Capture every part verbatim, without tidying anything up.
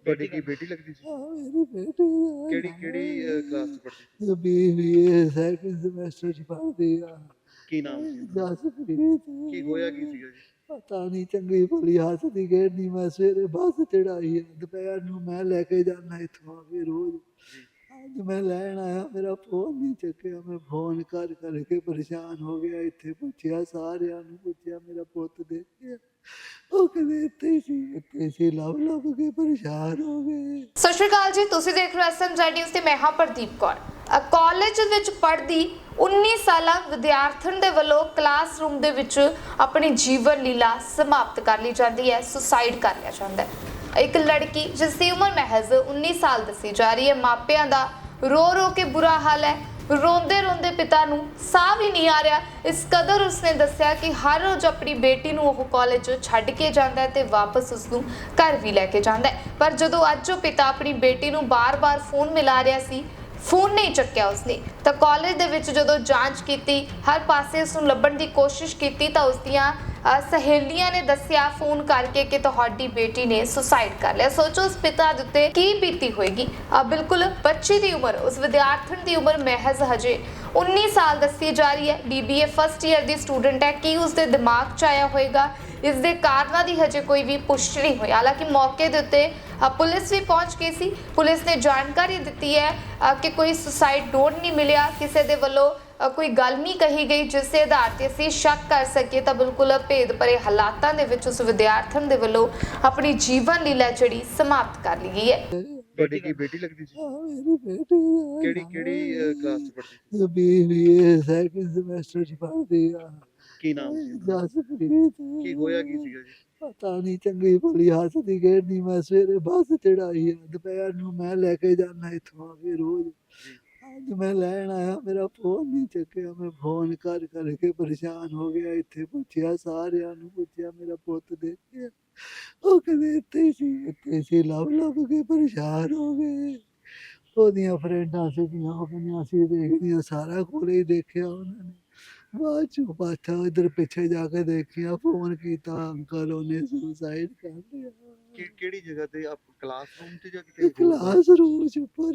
ਤੁਹਾਡੀ ਕੀ ਬੇਟੀ ਲੱਗਦੀ ਸੀ? हाँ मेरी बेटी ਕਿਹੜੀ ਕਿਹੜੀ ਅ, ਕਲਾਸ 'ਚ ਪੜ੍ਹਦੀ ਸੀ? जो बीए सेकंड सेमेस्टर च पढ़दी आ ਕੀ ਨਾਮ ਸੀ ਉਹਦਾ? जसप्रीत ਕੀ ਹੋਇਆ ਕੀ ਸੀਗਾ ਜੀ? पता नहीं चंगी भली हसदी खेड़नी मैं सवेरे बस चढ़ाई है दोपहर ਨੂੰ मैं लेके जाना इत्थों आके रोज ਜੀ ਅੱਜ मैं लैन आया मेरा फोन नहीं चुकया मैं फोन कर करके परेशान हो गया इत्थे पुछया सारिਆਂ ਨੂੰ पुछया मेरा पुत देखिया ਉਹ ਕਹਿੰਦੇ ਇੱਥੇ ਹੀ ਸੀ ਇੱਥੇ ਹੀ ਸੀ ਲੱਭ ਲੱਭ ਕੇ ਪਰੇਸ਼ਾਨ ਹੋ ਗਏ। ਸਤਿ ਸ਼੍ਰੀ ਅਕਾਲ ਜੀ, ਤੁਸੀਂ ਦੇਖ ਰਹੇ ਹੋ ਐਸ ਐਮ ਜ਼ੈਡ ਨਿਊਜ਼ ਤੇ ਮੈਂ ਹਾਂ ਪ੍ਰਦੀਪ ਕੌਰ। ਕਾਲਜ ਵਿੱਚ ਪੜ੍ਹਦੀ ਉੱਨੀ ਸਾਲਾ ਵਿਦਿਆਰਥਣ ਦੇ ਵੱਲੋਂ ਕਲਾਸਰੂਮ ਦੇ ਵਿੱਚ ਆਪਣੀ ਜੀਵਨ ਲੀਲਾ ਸਮਾਪਤ ਕਰ ਲਈ ਜਾਂਦੀ ਹੈ, ਸੁਸਾਈਡ ਕਰ ਲਿਆ ਜਾਂਦਾ ਹੈ। ਇੱਕ ਲੜਕੀ ਜਿਸ ਦੀ ਉਮਰ ਮਹਿਜ਼ ਉੱਨੀ ਸਾਲ ਦੱਸੀ ਜਾ ਰਹੀ ਹੈ, ਮਾਪਿਆਂ ਦਾ ਰੋ ਰੋ ਕੇ ਬੁਰਾ ਹਾਲ ਹੈ। ਰੋਂਦੇ ਰੋਂਦੇ ਪਿਤਾ ਨੂੰ ਸਾਹ ਵੀ ਨਹੀਂ ਆ ਰਿਹਾ। ਇਸ ਕਦਰ ਉਸਨੇ ਦੱਸਿਆ ਕਿ ਹਰ ਰੋਜ਼ ਆਪਣੀ ਬੇਟੀ ਨੂੰ ਉਹ ਕਾਲਜ ਛੱਡ ਕੇ ਜਾਂਦਾ ਹੈ ਤੇ ਵਾਪਸ ਉਸ ਨੂੰ ਘਰ ਵੀ ਲੈ ਕੇ ਜਾਂਦਾ ਹੈ। ਪਰ ਜਦੋਂ ਅੱਜ ਉਹ ਪਿਤਾ ਆਪਣੀ ਬੇਟੀ ਨੂੰ ਬਾਰ-ਬਾਰ ਫੋਨ ਮਿਲਾ ਰਿਹਾ ਸੀ, ਫੋਨ ਨਹੀਂ ਚੱਕਿਆ ਉਸਨੇ, ਤਾਂ ਕਾਲਜ ਦੇ ਵਿੱਚ ਜਦੋਂ ਜਾਂਚ ਕੀਤੀ, ਹਰ ਪਾਸੇ ਉਸ ਨੂੰ ਲੱਭਣ ਦੀ ਕੋਸ਼ਿਸ਼ ਕੀਤੀ ਤਾਂ ਉਸ ਦੀਆਂ ਸਹੇਲੀਆਂ ਨੇ ਦੱਸਿਆ ਫੋਨ ਕਰਕੇ ਕਿ ਤੁਹਾਡੀ ਬੇਟੀ ਨੇ ਸੁਸਾਈਡ ਕਰ ਲਿਆ। ਸੋਚੋ ਉਸ ਪਿਤਾ ਦੇ ਉੱਤੇ ਕੀ ਬੀਤੀ ਹੋਏਗੀ। ਬਿਲਕੁਲ ਬੱਚੀ ਦੀ ਉਮਰ, ਉਸ ਵਿਦਿਆਰਥਣ ਦੀ ਉਮਰ ਮਹਿਜ਼ ਹਜੇ ਉੱਨੀ ਸਾਲ ਦੱਸੀ ਜਾ ਰਹੀ ਹੈ। ਬੀਬੀਏ ਫਸਟ ਈਅਰ ਦੀ ਸਟੂਡੈਂਟ ਹੈ। ਕੀ ਉਸ ਦੇ ਦਿਮਾਗ 'ਚ ਆਇਆ ਹੋਏਗਾ, ਇਸ ਦੇ ਕਾਰਨਾਂ ਦੀ ਹਜੇ ਕੋਈ ਵੀ ਪੁਸ਼ਟੀ ਨਹੀਂ ਹੋਈ। ਹਾਲਾਂਕਿ ਮੌਕੇ ਦੇ ਉੱਤੇ ਪੁਲਿਸ ਵੀ ਪਹੁੰਚ ਗਈ ਸੀ। ਪੁਲਿਸ ਨੇ ਜਾਣਕਾਰੀ ਦਿੱਤੀ ਹੈ ਕਿ ਕੋਈ ਸੁਸਾਈਡ ਨੋਟ ਨਹੀਂ ਮਿਲਿਆ, ਕਿਸੇ ਦੇ ਵੱਲੋਂ ਕੋਈ ਗੱਲ ਨਹੀਂ ਕਹੀ ਗਈ ਜਿਸ ਦੇ ਆਧਾਰ ਤੇ ਅਸੀਂ ਸ਼ੱਕ ਕਰ ਸਕੀਏ ਤਾਂ ਬਿਲਕੁਲ ਭੇਦ ਭਰੇ ਹਾਲਾਤਾਂ ਦੇ ਵਿੱਚ ਉਸ ਵਿਦਿਆਰਥਣ ਦੇ ਵੱਲੋਂ ਆਪਣੀ ਜੀਵਨ ਲੀਲਾ ਜਿਹੜੀ ਸਮਾਪਤ ਕਰ ਲਈ ਗਈ ਹੈ। ਤੁਹਾਡੀ ਕੀ ਬੇਟੀ ਲੱਗਦੀ ਸੀ? हाँ मेरी बेटी ਕਿਹੜੀ ਕਿਹੜੀ ਕਲਾਸ 'ਚ ਪੜ੍ਹਦੀ ਸੀ? जो बीए सेकंड सेमेस्टर च पढ़दी आ ਕੀ ਨਾਮ ਸੀ ਉਹਦਾ? जसप्रीत ਕੀ ਹੋਇਆ ਕੀ ਸੀਗਾ ਜੀ? ਪਤਾ ਨਹੀਂ ਚੰਗੀ ਭਲੀ ਹੱਸਦੀ ਖੇਡਦੀ ਮੈਂ ਸਵੇਰੇ ਬੱਸ ਚੜਾਈ ਆ ਦੁਪਹਿਰ ਨੂੰ ਮੈਂ ਲੈ ਕੇ ਜਾਣਾ ਇੱਥੋਂ ਆ ਕੇ ਰੋਜ਼ ਜੀ ਅੱਜ ਮੈਂ ਲੈਣ ਆਇਆ ਮੇਰਾ ਫੋਨ ਨਹੀਂ ਚੱਕਿਆ ਮੈਂ ਫੋਨ ਕਰ ਕਰਕੇ ਪਰੇਸ਼ਾਨ ਹੋ ਗਿਆ ਇੱਥੇ ਪੁੱਛਿਆ ਸਾਰਿਆਂ ਨੂੰ ਪੁੱਛਿਆ ਮੇਰਾ ਪੁੱਤ ਦੇਖਿਆ ਉਹ ਕਹਿੰਦੇ ਇੱਥੇ ਹੀ ਸੀ ਇੱਥੇ ਹੀ ਸੀ ਲੱਭ ਲੱਭ ਕੇ ਪਰੇਸ਼ਾਨ ਹੋ ਗਏ। ਉਹਦੀਆਂ ਫਰੈਂਡਾਂ ਸੀਗੀਆਂ ਉਹ ਕਹਿੰਦੀਆਂ ਅਸੀਂ ਦੇਖਦੀਆਂ ਸਾਰਾ ਕੋਲੇ ਹੀ ਦੇਖਿਆ ਉਹਨਾਂ ਨੇ ਬਾਅਦ ਚੋਂ ਪਾਛਾ ਇੱਧਰ ਪਿੱਛੇ ਜਾ ਕੇ ਦੇਖਿਆ ਫੋਨ ਕੀਤਾ ਅੰਕਲ ਉਹਨੇ ਸੁਸਾਈਡ ਕਰ ਲਿਆ। ਕਿ ਕਿਹੜੀ ਜਗ੍ਹਾ ਤੇ ਆਪ ਕਲਾਸਰੂਮ 'ਚ ਜਾਂ ਕਿਤੇ ਹੋਰ? ਕਲਾਸ ਰੂਮ ਚ ਉੱਪਰ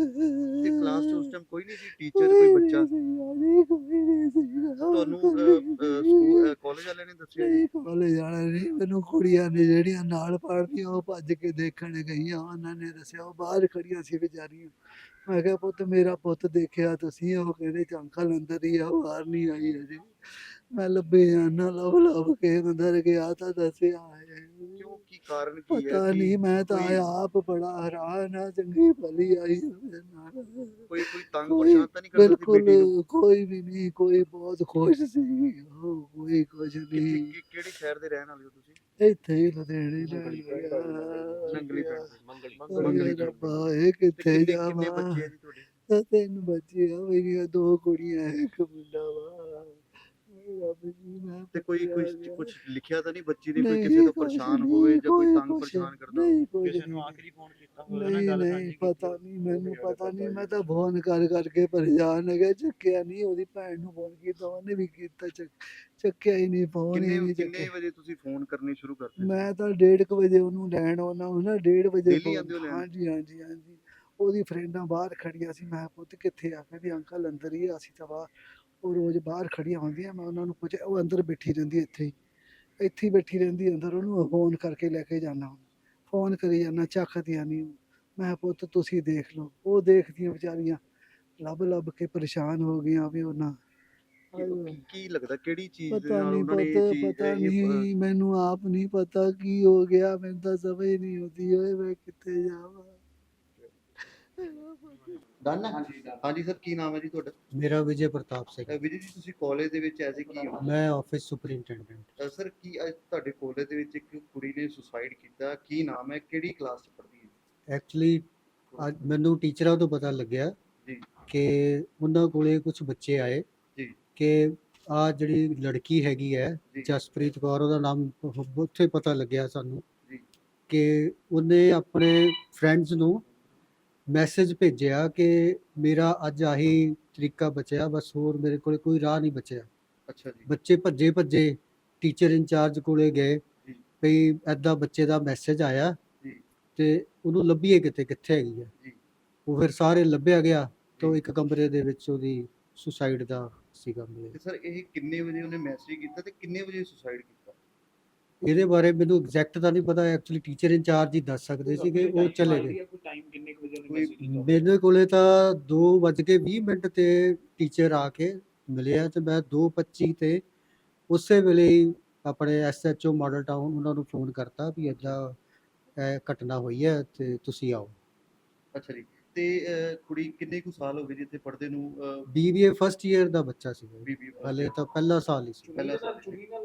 ਤੇ ਕਲਾਸ 'ਚ ਉਸ ਟਾਈਮ ਕੋਈ ਨਹੀਂ ਸੀ, ਟੀਚਰ ਕੋਈ ਬੱਚਾ? ਕੋਈ ਨਹੀਂ ਸੀਗਾ ਤੁਹਾਨੂੰ ਸਕੂਲ ਕਾਲਜ ਵਾਲਿਆਂ ਨੇ ਦੱਸਿਆ ਜੀ? ਕਾਲਜ ਜਾਣਾ ਨਹੀਂ ਮੈਨੂੰ ਕੁੜੀਆਂ ਨੇ ਜਿਹੜੀਆਂ ਨਾਲ ਪੜ੍ਹਦੀਆਂ ਉਹ ਭੱਜ ਕੇ ਦੇਖਣ ਗਈਆਂ ਉਹਨਾਂ ਨੇ ਦੱਸਿਆ ਉਹ ਬਾਹਰ ਖੜੀਆਂ ਸੀ ਵਿਚਾਰੀਆਂ। ਮੈਂ ਕਿਹਾ ਪੁੱਤ ਮੇਰਾ ਪੁੱਤ ਦੇਖਿਆ ਤੁਸੀਂ ਉਹ ਕਹਿੰਦੇ ਚ ਅੰਕਲ ਅੰਦਰ ਹੀ ਆ ਬਾਹਰ ਨਹੀਂ ਆਈ ਅਜੇ। ਮੈਂ ਲੱਭੇ ਜਾਣਾ ਲੱਭ ਲੱਭ ਕੇ ਅੰਦਰ ਗਿਆ ਤਾਂ ਦੱਸਿਆ ਹੈ। ਕਿਉਂ, ਕੀ ਕਾਰਨ ਕੀ ਹੈ? ਪਤਾ ਕੀ ਨਹੀਂ ਮੈਂ ਤਾਂ ਕੋਈ- ਆਪ ਬੜਾ ਹੈਰਾਨ ਆ ਚੰਗੀ ਭਲੀ ਆਈ ਉਹਦੇ ਨਾਲ। ਕੋਈ ਕੋਈ ਤੰਗ ਕੋਈ ਪਰੇਸ਼ਾਨ ਤਾਂ ਨਹੀਂ ਕਰਦਾ ਸੀ ਬਿਲਕੁਲ ਬੇਟੀ ਨੂੰ? ਕੋਈ ਵੀ ਨਹੀਂ ਕੋਈ ਬਹੁਤ ਖੁਸ਼ ਸੀ ਉਹ ਕੋਈ ਕੁਝ ਕਿੱਥੇ- ਨਹੀਂ ਕਿ- ਕਿਹੜੇ ਸ਼ਹਿਰ ਦੇ ਰਹਿਣ ਵਾਲੇ ਹੋ ਤੁਸੀਂ? ਇੱਥੇ ਹੀ ਲੁਧਿਆਣੇ ਨੰਗਲੀ ਪਿੰਡ ਨਾਲ ਨੰਗਲੀ ਪਿੰਡ ਦੇ। ਮੰਗਲੀ ਮੰਗਲੀ ਪਿੰਡ। ਰੱਬਾ ਇਹ ਤੇ ਕਿੱਥੇ ਕਿੰਨੇ ਕਿੰਨੇ ਜਾਵਾਂ ਬੱਚੇ ਆ ਜੀ ਤੁਹਾਡੇ? ਤਾਂ ਤਿੰਨ ਬੱਚੇ ਆ ਮੇਰੀਆਂ ਦੋ ਕੁੜੀਆਂ ਇੱਕ ਮੁੰਡਾ ਵਾ ਰੱਬ ਜੀ ਮੈਂ ਤੇ ਕੋਈ ਪੁੱਛਿਆ ਕੁਝ ਗਿਆ। ਕੁਝ ਲਿਖਿਆ ਤਾਂ ਨਹੀਂ ਬੱਚੀ ਨੇ ਕੋਈ ਨਹੀਂ, ਕਿਸੇ ਤੋਂ ਕੁਛ ਪਰੇਸ਼ਾਨ ਨਹੀਂ, ਹੋਵੇ ਜਾਂ ਕੋਈ ਕੋਈ ਤੰਗ ਕੁਛ ਪਰੇਸ਼ਾਨ ਕਰਦਾ? ਨਹੀਂ ਕੋਈ ਕਿਸੇ ਨੂੰ ਨਹੀਂ। ਆਖਰੀ ਫੋਨ ਕੀਤਾ ਹੋਵੇ ਨਾ ਨਹੀਂ ਗੱਲ ਨਹੀਂ ਸਾਂਝੀ ਪਤਾ ਕੀਤੀ ਨਹੀਂ ਮੈਨੂੰ ਪਤਾ ਨਹੀਂ ਮੈਂ ਤਾਂ ਫੋਨ ਕਰ ਕਰਕੇ ਪਰੇਸ਼ਾਨ ਹੋ ਗਿਆ ਚੱਕਿਆ ਨਹੀਂ ਉਹਦੀ ਭੈਣ ਨੂੰ ਫੋਨ ਕੀਤਾ ਉਹਨੇ ਵੀ ਕੀਤਾ ਚੱਕ ਚੱਕਿਆ ਹੀ ਨਹੀਂ ਫੋਨ ਹੀ ਕਿੰਨੇ ਨਹੀਂ ਕਿੰਨੇ ਚੱਕਿਆ। ਵਜੇ ਤੁਸੀਂ ਫੋਨ ਕਰਨੇ ਸ਼ੁਰੂ ਕਰਦੇ ਸੀ? ਮੈਂ ਤਾਂ ਡੇਢ ਕੁ ਵਜੇ ਉਹਨੂੰ ਲੈਣ ਆਉਣਾ ਹੁੰਦਾ ਡੇਢ ਵਜੇ Daily phone- ਆਉਂਦੇ ਹੋ ਲੈਣ? ਹਾਂਜੀ ਹਾਂਜੀ ਹਾਂਜੀ ਉਹਦੀ ਫਰੈਂਡਾਂ ਬਾਹਰ ਖੜੀਆਂ ਸੀ ਮੈਂ ਪੁੱਤ ਕਿੱਥੇ ਆ ਕਹਿੰਦੀ ਅੰਕਲ ਅੰਦਰ ਹੀ ਆ, ਅਸੀਂ ਤਾਂ ਬਾਹਰ ਉਹ ਰੋਜ਼ ਬਾਹਰ ਖੜੀਆਂ ਹੁੰਦੀਆਂ ਮੈਂ ਉਹਨਾਂ ਨੂੰ ਪੁੱਛਿਆ ਉਹ ਅੰਦਰ ਬੈਠੀ ਰਹਿੰਦੀ ਇੱਥੇ ਹੀ ਇੱਥੇ ਹੀ ਬੈਠੀ ਰਹਿੰਦੀ ਅੰਦਰ ਉਹਨੂੰ ਫੋਨ ਕਰਕੇ ਲੈ ਕੇ ਜਾਣਾ ਫੋਨ ਕਰੀ ਜਾਣਾ ਚੱਕਦੀਆਂ ਨਹੀਂ ਮੈਂ ਪੁੱਤ ਤੁਸੀਂ ਦੇਖ ਲਓ ਉਹ ਦੇਖਦੀਆਂ ਵਿਚਾਰੀਆਂ ਲੱਭ ਲੱਭ ਕੇ ਪਰੇਸ਼ਾਨ ਹੋ ਗਈਆਂ ਵੀ ਉਹਨਾਂ ਕੀ- ਕੀ ਲੱਗਦਾ ਕਿਹੜੀ ਚੀਜ਼ ਦੇ ਪਤਾ ਨਾਲ ਨਹੀਂ ਉਹਨਾਂ ਨੇ ਇਹ ਪਤਾ ਚੀਜ਼ ਪਤਾ ਇਹ- ਇਹ, ਨਹੀਂ ਮੈਨੂੰ ਆਪ ਨਹੀਂ ਪਤਾ ਕੀ ਹੋ ਗਿਆ ਮੈਨੂੰ ਤਾਂ ਸਮਝ ਨਹੀਂ ਆਉਂਦੀ ਓਏ ਮੈਂ ਕਿੱਥੇ ਜਾਵਾਂ। ਡਨ ਹੈ? ਹਾਂਜੀ ਸਰ, ਕੀ ਨਾਮ ਹੈ ਜੀ ਤੁਹਾਡਾ? ਮੇਰਾ ਵਿਜੇ ਪ੍ਰਤਾਪ ਸਿੰਘ। ਅ, ਵਿਜੇ ਜੀ, ਤੁਸੀਂ ਕਾਲਜ ਦੇ ਵਿੱਚ ਐਸੇ ਕੀ ਹੋ? ਮੈਂ ਆਫਿਸ ਸੁਪਰਿੰਟੈਂਡੈਂਟ। ਅ, ਸਰ ਕੀ ਅੱਜ ਤੁਹਾਡੇ ਕਾਲਜ ਦੇ ਵਿੱਚ ਇੱਕ ਕੁੜੀ ਨੇ ਸੁਸਾਈਡ ਕੀਤਾ, ਕੀ ਨਾਮ ਹੈ, ਕਿਹੜੀ ਕਲਾਸ ਚ ਪੜ੍ਹਦੀ ਹੈ? ਐਕਚੁਅਲੀ ਅੱਜ ਮੈਨੂੰ ਟੀਚਰਾਂ ਤੋਂ ਪਤਾ ਲੱਗਿਆ ਜੀ ਕਿ ਉਹਨਾਂ ਕੋਲੇ ਕੁਝ ਬੱਚੇ ਆਏ ਜੀ ਕਿ ਆ ਜਿਹੜੀ ਲੜਕੀ ਹੈਗੀ ਹੈ ਜੀ ਜਸਪ੍ਰੀਤ ਕੌਰ ਉਹਦਾ ਨਾਮ ਉੱਥੇ ਪਤਾ ਲੱਗਿਆ ਸਾਨੂੰ ਜੀ ਕਿ ਉਹਨੇ ਆਪਣੇ ਫਰੈਂਡਸ ਨੂੰ ਮੈਸੇਜ ਭੇਜਿਆ ਕਿ ਮੇਰਾ ਅੱਜ ਆਹੀ ਤਰੀਕਾ ਬਚਿਆ, ਬਸ ਹੋਰ ਮੇਰੇ ਕੋਲੇ ਕੋਈ ਰਾਹ ਨਹੀਂ ਬਚਿਆ। ਅੱਛਾ ਜੀ ਬੱਚੇ ਭੱਜੇ ਭੱਜੇ ਟੀਚਰ ਇੰਚਾਰਜ ਕੋਲੇ ਗਏ ਜੀ ਵੀ ਐਦਾਂ ਬੱਚੇ ਦਾ ਮੈਸੇਜ ਆਇਆ ਜੀ ਤੇ ਉਹਨੂੰ ਲੱਭੀਏ ਕਿਤੇ ਕਿੱਥੇ ਹੈਗੀ ਹੈ। ਜੀ ਉਹ ਫਿਰ ਸਾਰੇ ਲੱਭਿਆ ਗਿਆ ਤਾਂ ਜੀ। ਇੱਕ ਕਮਰੇ ਦੇ ਵਿੱਚ ਉਹਦੀ ਸੁਸਾਈਡ ਦਾ ਸੀਗਾ ਮੇਰੇ। ਤੇ ਸਰ ਇਹ ਕਿੰਨੇ ਵਜੇ ਉਹਨੇ ਮੈਸੇਜ ਕੀਤਾ ਤੇ ਕਿੰਨੇ ਵਜੇ ਸੁਸਾਈਡ ਕੀਤਾ? ਇਹਦੇ ਬਾਰੇ ਮੈਨੂੰ ਐਗਜ਼ੈਕਟ ਤਾਂ ਨਹੀਂ ਪਤਾ, ਐਕਚੁਅਲੀ ਟੀਚਰ ਇੰਚਾਰਜ ਹੀ ਦੱਸ ਸਕਦੇ ਸੀ ਕਿ ਉਹ ਚਲੇ ਗਏ। ਕੋਈ ਮੇਰੇ ਕੋਲੇ ਤਾਂ ਦੋ ਵੱਜ ਕੇ ਵੀਹ ਮਿੰਟ ਤੇ ਟੀਚਰ ਆ ਕੇ ਮਿਲਿਆ ਤੇ ਮੈਂ ਦੋ ਪੱਚੀ ਤੇ ਉਸੇ ਵੇਲੇ ਹੀ ਆਪਣੇ S H O Model Town ਉਹਨਾਂ ਨੂੰ ਫੋਨ ਕਰਤਾ ਵੀ ਏਦਾਂ ਇਹ ਘਟਨਾ ਹੋਈ ਹੈ ਤੇ ਤੁਸੀਂ ਆਓ। ਅੱਛਾ ਜੀ। ਤੇ ਅਹ, ਕੁੜੀ ਕਿੰਨੇ ਕੁ ਸਾਲ ਹੋ ਗਏ ਜੀ ਇੱਥੇ ਪੜ੍ਹਦੇ ਨੂੰ? B B A first year ਦਾ ਬੱਚਾ ਸੀਗਾ, ਬੀਬੀ ਹਲੇ ਤਾਂ ਪਹਿਲਾ ਸਾਲ ਹੀ ਸੀ। ਪਹਿਲਾ ਸਾਲ।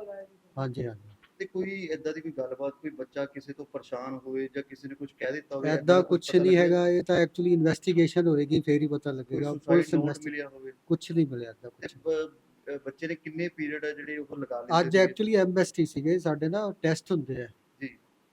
ਹਾਂਜੀ ਹਾਂਜੀ। ਤੇ ਕੋਈ ਏਦਾਂ ਦੀ ਕੋਈ ਗੱਲਬਾਤ, ਕੋਈ ਬੱਚਾ ਕਿਸੇ ਤੋਂ ਪਰੇਸ਼ਾਨ ਹੋਵੇ ਜਾਂ ਕਿਸੇ ਨੇ ਕੁਝ ਕਹਿ ਦਿੱਤਾ ਹੋਵੇ? ਐਦਾਂ ਕੁਝ ਨਹੀਂ ਹੈਗਾ, ਇਹ ਤਾਂ ਐਕਚੁਅਲੀ ਇਨਵੈਸਟੀਗੇਸ਼ਨ ਹੋਏਗੀ ਫੇਰ ਹੀ ਪਤਾ ਲੱਗੇਗਾ। ਪੁਲਿਸ ਨੋਟ ਇਨਵੈਸਟੀ ਮਿਲਿਆ ਹੋਵੇ? ਕੁਝ ਨਹੀਂ ਮਿਲਿਆ ਏਦਾਂ ਤੇ ਕੁਝ। ਬ- ਅਹ, ਬੱਚੇ ਨੇ ਕਿੰਨੇ ਪੀਰੀਅਡ ਆ ਜਿਹੜੇ ਉਹ ਲਗਾ ਲਏ ਅੱਜ ਐਕਚੁਅਲੀ ਐਮਐਸਟੀ ਸੀਗੇ ਸਾਡੇ ਨਾ, ਟੈਸਟ ਹੁੰਦੇ ਆ ਜੀ।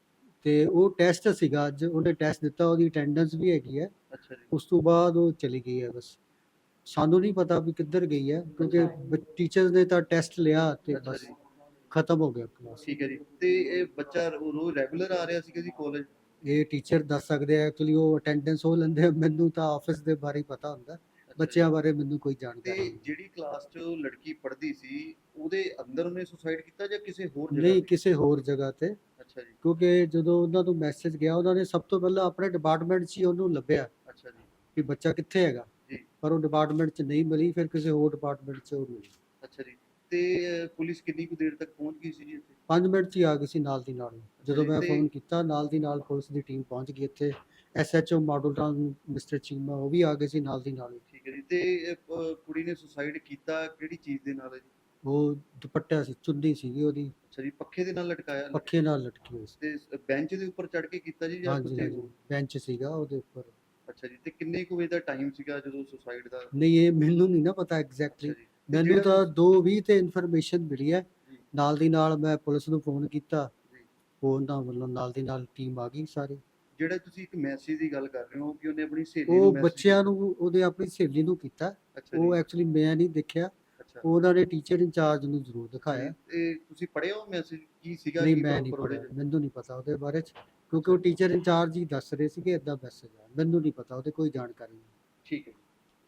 ਤੇ ਉਹ ਟੈਸਟ ਸੀਗਾ ਅੱਜ, ਉਹਨੇ ਟੈਸਟ ਦਿੱਤਾ, ਉਹਦੀ ਅਟੈਂਡੈਂਸ ਵੀ ਹੈਗੀ ਹੈ। ਅੱਛਾ ਜੀ। ਉਸ ਤੋਂ ਬਾਅਦ ਉਹ ਚਲੀ ਗਈ ਹੈ। ਬਸ ਸਾਨੂੰ ਨਹੀਂ ਪਤਾ ਵੀ ਕਿੱਧਰ ਗਈ ਹੈ ਕਿਉਂਕਿ ਟੀਚਰਸ ਨੇ ਤਾਂ ਟੈਸਟ ਲਿਆ ਤੇ ਅੱਛਾ ਬਸ ਜੀ। ਖਤਮ ਹੋ ਗਿਆ ਕਲਾਸ। ਠੀਕ ਹੈ ਜੀ। ਤੇ ਇਹ ਬੱਚਾ ਰੋ- ਰੋਜ਼ ਰੈਗੂਲਰ ਆ ਰਿਹਾ ਸੀਗਾ ਜੀ ਕਾਲਜ? ਇਹ ਟੀਚਰ ਦੱਸ ਸਕਦੇ ਆ, ਐਕਚੁਅਲੀ ਉਹ ਅਟੈਂਡੈਂਸ ਉਹ ਲੈਂਦੇ ਆ, ਮੈਨੂੰ ਤਾਂ ਆਫਿਸ ਦੇ ਬਾਰੇ ਹੀ ਪਤਾ ਹੁੰਦਾ, ਬੱਚਿਆਂ ਬਾਰੇ ਮੈਨੂੰ ਕੋਈ ਤੇ ਜਾਣਕਾਰੀ ਨਹੀਂ। ਜਿਹੜੀ ਕਲਾਸ 'ਚ ਉਹ ਲੜਕੀ ਪੜ੍ਹਦੀ ਸੀ ਉਹਦੇ ਅੰਦਰ ਉਹਨੇ ਸੁਸਾਈਡ ਕੀਤਾ ਜਾਂ ਕਿਸੇ ਹੋਰ ਜਗ੍ਹਾ ਨਹੀਂ, ਤੇ? ਕਿਸੇ ਹੋਰ ਜਗ੍ਹਾ ਤੇ, ਅੱਛਾ ਜੀ। ਕਿਉਂਕਿ ਜਦੋਂ ਉਹਨਾਂ ਨੂੰ ਮੈਸੇਜ ਗਿਆ ਉਹਨਾਂ ਨੇ ਸਭ ਤੋਂ ਪਹਿਲਾਂ ਆਪਣੇ ਡਿਪਾਰਟਮੈਂਟ 'ਚ ਹੀ ਉਹਨੂੰ ਲੱਭਿਆ ਅੱਛਾ ਜੀ। ਕਿ ਬੱਚਾ ਕਿੱਥੇ ਹੈਗਾ, ਜੀ। ਪਰ ਉਹ ਡਿਪਾਰਟਮੈਂਟ 'ਚ ਨਹੀਂ ਮਿਲੀ, ਫਿਰ ਕਿਸੇ ਹੋਰ ਡਿਪਾਰਟਮੈਂਟ 'ਚ ਉਹ ਮਿਲੀ। ਅੱਛਾ ਜੀ। ਤੇ ਅਹ, ਪੁਲਿਸ ਕਿੰਨੀ ਕੁ ਦੇਰ ਤੱਕ ਪਹੁੰਚ ਗਈ ਸੀ ਜੀ ਇੱਥੇ? ਪੰਜ ਮਿੰਟ 'ਚ ਹੀ ਆ ਗਈ ਸੀ ਨਾਲ ਦੀ ਨਾਲ। ਜਦੋਂ ਜੀ, ਮੈਂ ਤੇ- ਫੋਨ ਕੀਤਾ ਨਾਲ ਦੀ ਨਾਲ ਪੁਲਿਸ ਦੀ ਟੀਮ ਪਹੁੰਚ ਗਈ ਇੱਥੇ। S H O Model Town mister Cheema ਉਹ ਵੀ ਆ ਗਏ ਸੀ ਨਾਲ ਦੀ ਨਾਲ ਹੀ। ਠੀਕ ਹੈ ਜੀ। ਤੇ ਅਹ, ਅਹ, ਕੁੜੀ ਨੇ ਸੁਸਾਈਡ ਕੀਤਾ ਕਿਹੜੀ ਚੀਜ਼ ਦੇ ਨਾਲ ਹੈ ਜੀ? ਉਹ ਦੁਪੱਟਾ ਸੀ, ਚੁੰਨੀ ਸੀਗੀ ਉਹਦੀ, ਅੱਛਾ ਜੀ। ਪੱਖੇ ਦੇ ਨਾਲ ਲਟਕਾਇਆ? ਪੱਖੇ ਨਾਲ ਲਟਕੀ ਹੋਈ ਸੀ। ਤੇ ਬੈਂਚ ਦੇ ਉੱਪਰ ਚੜ ਕੇ ਕੀਤਾ ਜੀ ਜਾਂ ਹਾਂਜੀ ਕਿਤੇ ਹਾਂਜੀ, ਹੋਰ? ਬੈਂਚ ਸੀਗਾ ਉਹਦੇ ਉੱਪਰ। ਅੱਛਾ ਜੀ। ਤੇ ਕਿੰਨੇ ਕੁ ਵਜੇ ਦਾ ਟਾਈਮ ਸੀਗਾ ਜਦੋਂ ਸੁਸਾਈਡ ਦਾ? ਨਹੀਂ, ਇਹ ਮੈਨੂੰ ਨਹੀਂ ਨਾ ਪਤਾ ਅੱਛਾ ਐਗਜ਼ੈਕਟਲੀ, ਜੀ। ਤੇ ਮੈਨੂੰ ਜਿਹੜਾ ਤਾਂ ਤੁਸੀਂ- ਦੋ ਵੀਹ ਤੇ ਇਨਫੋਰਮੇਸ਼ਨ ਮਿਲੀ ਹੈ। ਜੀ। ਨਾਲ ਦੀ ਨਾਲ ਮੈਂ ਪੁਲਿਸ ਨੂੰ ਫੋਨ ਕੀਤਾ, ਜੀ। ਉਹਨਾਂ ਵੱਲੋਂ ਨਾਲ ਦੀ ਨਾਲ ਟੀਮ ਆ ਗਈ ਸਾਰੀ। ਜਿਹੜਾ ਤੁਸੀਂ ਇੱਕ ਮੈਸੇਜ ਦੀ ਗੱਲ ਕਰ ਰਹੇ ਹੋ ਕਿ ਉਹਨੇ ਆਪਣੀ ਸਹੇਲੀ ਨੂੰ ਉਹ message ਬੱਚਿਆਂ ਕੀਤਾ। ਨੂੰ, ਉਹਦੇ ਆਪਣੀ ਸਹੇਲੀ ਨੂੰ ਕੀਤਾ। ਅੱਛਾ ਉਹ ਜੀ। ਐਕਚੁਅਲੀ ਮੈਂ ਨਹੀਂ ਦੇਖਿਆ, ਅੱਛਾ ਉਹਨਾਂ ਨੇ ਟੀਚਰ ਇੰਚਾਰਜ ਨੂੰ ਜ਼ਰੂਰ ਦਿਖਾਇਆ। ਜੀ, ਤੇ ਤੁਸੀਂ ਪੜ੍ਹਿਆ ਉਹ ਮੈਸੇਜ ਕੀ ਸੀਗਾ? ਨਹੀਂ, ਕੀ ਮੈਂ ਨਹੀਂ proper ਉਹਦੇ ਪੜਿਆ, 'ਚ? ਮੈਨੂੰ ਨਹੀਂ ਪਤਾ ਉਹਦੇ ਬਾਰੇ 'ਚ, ਕਿਉਂਕਿ ਉਹ ਟੀਚਰ ਇੰਚਾਰਜ ਹੀ ਦੱਸ ਰਹੇ ਸੀ ਕਿ ਇਦਾਂ ਮੈਸੇਜ ਆ, ਮੈਨੂੰ ਨਹੀਂ ਪਤਾ, ਉਹਦੇ ਕੋਈ ਜਾਣਕਾਰੀ ਨਹੀਂ। ਠੀਕ ਹੈ।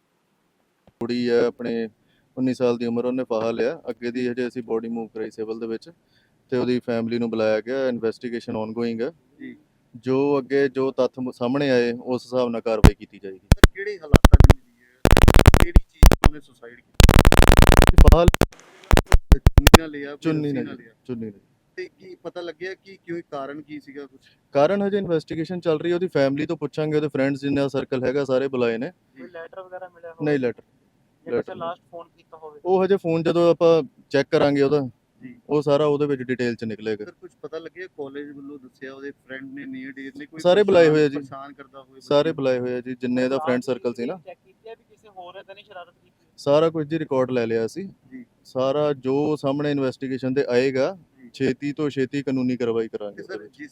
ਕੁੜੀ ਹੈ ਆਪਣੇ ਉੱਨੀ ਸਾਲ ਦੀ ਉਮਰ, ਉਹਨੇ ਫਾਹਾ ਲਿਆ। ਅੱਗੇ ਦੀ ਹਜੇ ਅਸੀਂ ਬੋਡੀ ਮੂਵ ਕਰਾਈ ਸਿਵਲ ਦੇ ਵਿੱਚ ਤੇ ਉਹਦੀ ਫੈਮਿਲੀ ਨੂੰ ਬੁਲਾਇਆ ਗਿਆ। ਇਨਵੈਸਟੀਗੇਸ਼ਨ ਆਨਗੋਇੰਗ ਹੈ ਜੀ। ਜੋ ਅੱਗੇ ਜੋ ਤੱਥ ਮ- ਸਾਹਮਣੇ ਆਏ ਉਸ ਹਿਸਾਬ ਨਾਲ ਕਾਰਵਾਈ ਕੀਤੀ ਜਾਏਗੀ। ਸਰ ਕਿਹੜੇ ਹਾਲਾਤਾਂ 'ਚ ਮਿਲੀ ਹੈ? ਕਿਹੜੀ ਚੀਜ਼ ਤੋਂ ਉਹਨੇ ਸੁਸਾਈਡ ਕੀਤੀ? ਫਾਹਾ ਚੁੰਨੀ ਨਾਲ ਲਿਆ? ਕੋਈ ਚੁੰਨੀ ਰੱਸੀ ਨਾਲ ਨਾਲ ਲਿਆ? ਚੁੰਨੀ ਨਾਲ। ਤੇ ਕੀ ਪਤਾ ਲੱਗਿਆ ਕਿ ਕਿਉਂ, ਕਾਰਨ ਕੀ ਸੀਗਾ ਕੁਝ? ਕਾਰਨ ਹਜੇ ਇਨਵੈਸਟੀਗੇਸ਼ਨ ਚੱਲ ਰਹੀ ਹੈ, ਉਹਦੀ ਫੈਮਿਲੀ ਤੋਂ ਪੁੱਛਾਂਗੇ, ਉਹਦੇ ਫਰੈਂਡਸ ਜਿੰਨਾ ਸਰਕਲ ਹੈਗਾ ਸਾਰੇ ਬੁਲਾਏ ਨੇ। ਜੀ। ਲੈਟਰ ਵਗੈਰਾ ਮਿਲਿਆ ਹੋਵੇ ਨਹੀਂ ਲੈਟਰ, ਜਾਂ ਕਿਸੇ letter ਲਾਸਟ ਫੋਨ ਕੀਤਾ ਹੋਵੇ? ਉਹ ਹਜੇ ਫੋਨ ਜਦੋਂ ਆਪਾਂ ਚੈੱਕ ਕਰਾਂਗੇ ਉਹਦਾ, ਜੀ। ਉਹ ਸਾਰਾ ਉਹਦੇ ਵਿੱਚ ਡਿਟੇਲ ਚ ਨਿਕਲੇਗਾ। ਸਰ ਕੁਝ ਪਤਾ ਲੱਗਿਆ ਕਾਲਜ ਵੱਲੋਂ ਦੱਸਿਆ ਉਹਦੇ ਫਰੈਂਡ ਨੇ, ਨੀਅਰ ਡੀਅਰ ਨੇ ਕੋਈ ਸਾਰੇ ਬੁਲਾਏ ਹੋਏ ਆ ਜੀ। ਪਰੇਸ਼ਾਨ ਕਰਦਾ ਹੋਵੇ? ਸਾਰੇ ਬੁਲਾਏ ਹੋਏ ਆ ਜੀ, ਜਿੰਨੇ ਦਾ ਫਰੈਂਡ ਸਰਕਲ ਸੀ ਨਾ, ਚੈੱਕ ਕੀਤੀ ਹੈ ਵੀ ਕਿਸੇ ਹੋਰ ਨੇ ਤਾਂ ਨਹੀਂ ਸ਼ਰਾਰਤ ਕੀਤੀ? ਸਾਰਾ ਕੁਝ ਜੀ ਰਿਕਾਰਡ ਲੈ ਲਿਆ ਸੀ। ਜੀ। ਸਾਰਾ ਜੋ ਸਾਹਮਣੇ ਇਨਵੈਸਟੀਗੇਸ਼ਨ ਤੇ ਆਏਗਾ, ਜੀ। ਛੇਤੀ ਤੋਂ ਛੇਤੀ ਕਾਨੂੰਨੀ ਕਾਰਵਾਈ ਤੇ ਕਰਾਂਗੇ ਉਹਦੇ ਸਰ ਵਿੱਚ। ਜਿਸ